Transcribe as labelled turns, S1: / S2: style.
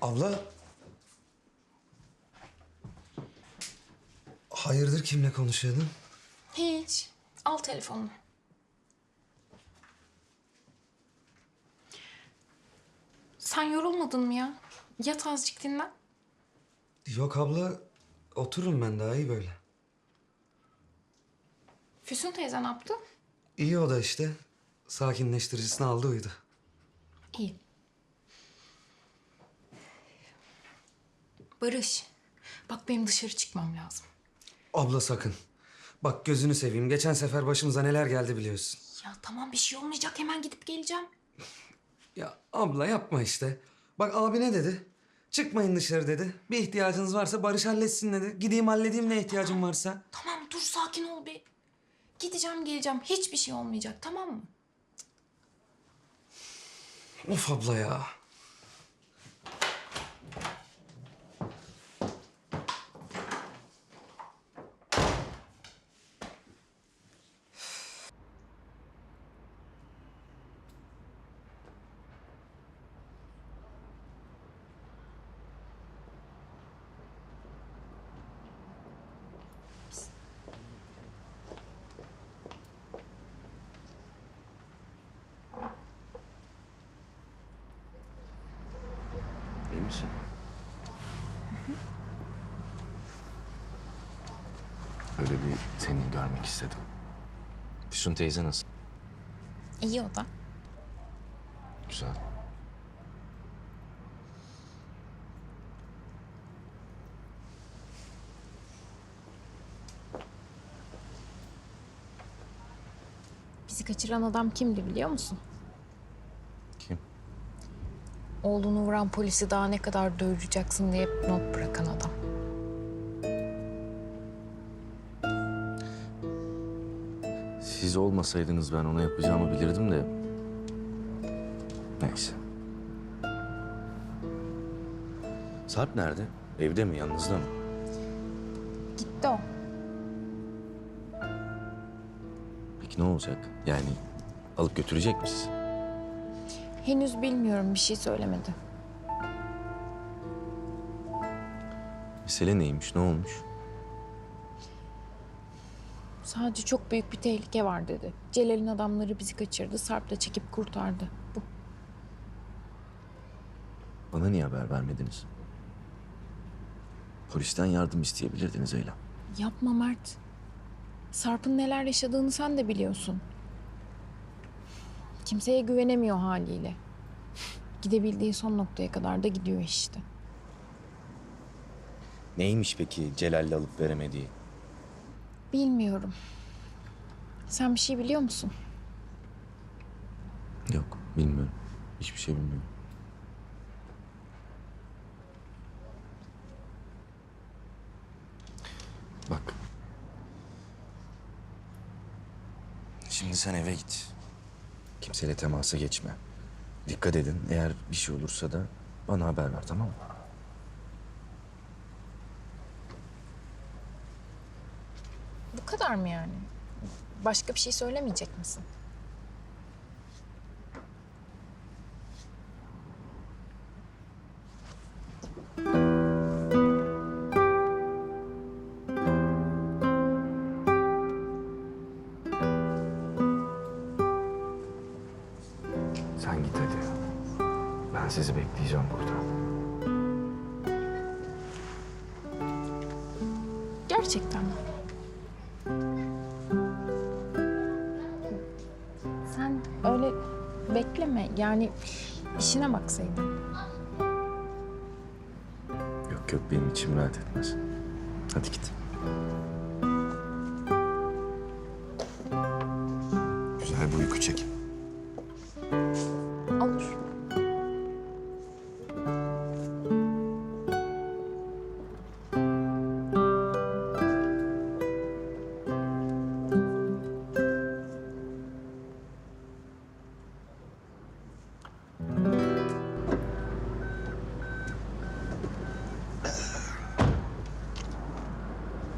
S1: Abla. Hayırdır, kimle konuşuyordun?
S2: Hiç. Al telefonunu. Sen yorulmadın mı ya? Yat azıcık dinlen.
S1: Yok abla, otururum ben daha iyi böyle.
S2: Füsun teyze ne yaptı?
S1: İyi o da işte. Sakinleştiricisini aldı uyudu.
S2: İyi. Barış, bak benim dışarı çıkmam lazım.
S1: Abla sakın. Bak gözünü seveyim. Geçen sefer başımıza neler geldi biliyorsun.
S2: Ya tamam bir şey olmayacak hemen gidip geleceğim.
S1: Ya abla yapma işte. Bak abi ne dedi? Çıkmayın dışarı dedi. Bir ihtiyacınız varsa Barış halletsin dedi. Gideyim halledeyim ne ihtiyacım varsa.
S2: Tamam dur sakin ol bir. Gideceğim geleceğim hiçbir şey olmayacak tamam mı?
S1: Of abla ya.
S3: İyi misin? Öyle bir seni görmek istedim. Füsun teyze nasıl?
S2: İyi o da.
S3: Güzel.
S2: Bizi kaçıran adam kimdi biliyor musun?
S3: Kim?
S2: Oğlunu vuran polisi daha ne kadar doyuracaksın diye not bırakan adam.
S3: Siz olmasaydınız ben ona yapacağımı bilirdim de. Neyse. Sarp nerede? Evde mi? Yalnızda mı?
S2: Gitti o.
S3: Peki ne olacak? Yani alıp götürecek mi sizi?
S2: Henüz bilmiyorum bir şey söylemedi.
S3: Mesele neymiş? Ne olmuş?
S2: Sadece çok büyük bir tehlike var dedi. Celal'in adamları bizi kaçırdı. Sarp da çekip kurtardı. Bu.
S3: Bana niye haber vermediniz? Polisten yardım isteyebilirdiniz Eylem.
S2: Yapma Mert. Sarp'ın neler yaşadığını sen de biliyorsun. Kimseye güvenemiyor haliyle. Gidebildiği son noktaya kadar da gidiyor işte.
S3: Neymiş peki Celal'le alıp veremediği?
S2: Bilmiyorum. Sen bir şey biliyor musun?
S3: Yok, bilmiyorum. Hiçbir şey bilmiyorum. Bak. Şimdi sen eve git. Kimseyle temasa geçme. Dikkat edin. Eğer bir şey olursa da bana haber ver, tamam mı?
S2: Bu kadar mı yani? Başka bir şey söylemeyecek misin?
S3: Sen git hadi. Ben sizi bekleyeceğim burada.
S2: Gerçekten mi? Sen öyle bekleme. Yani işine baksaydın.
S3: Yok yok, benim içim rahat etmez. Hadi git. Güzel bir uyku çek.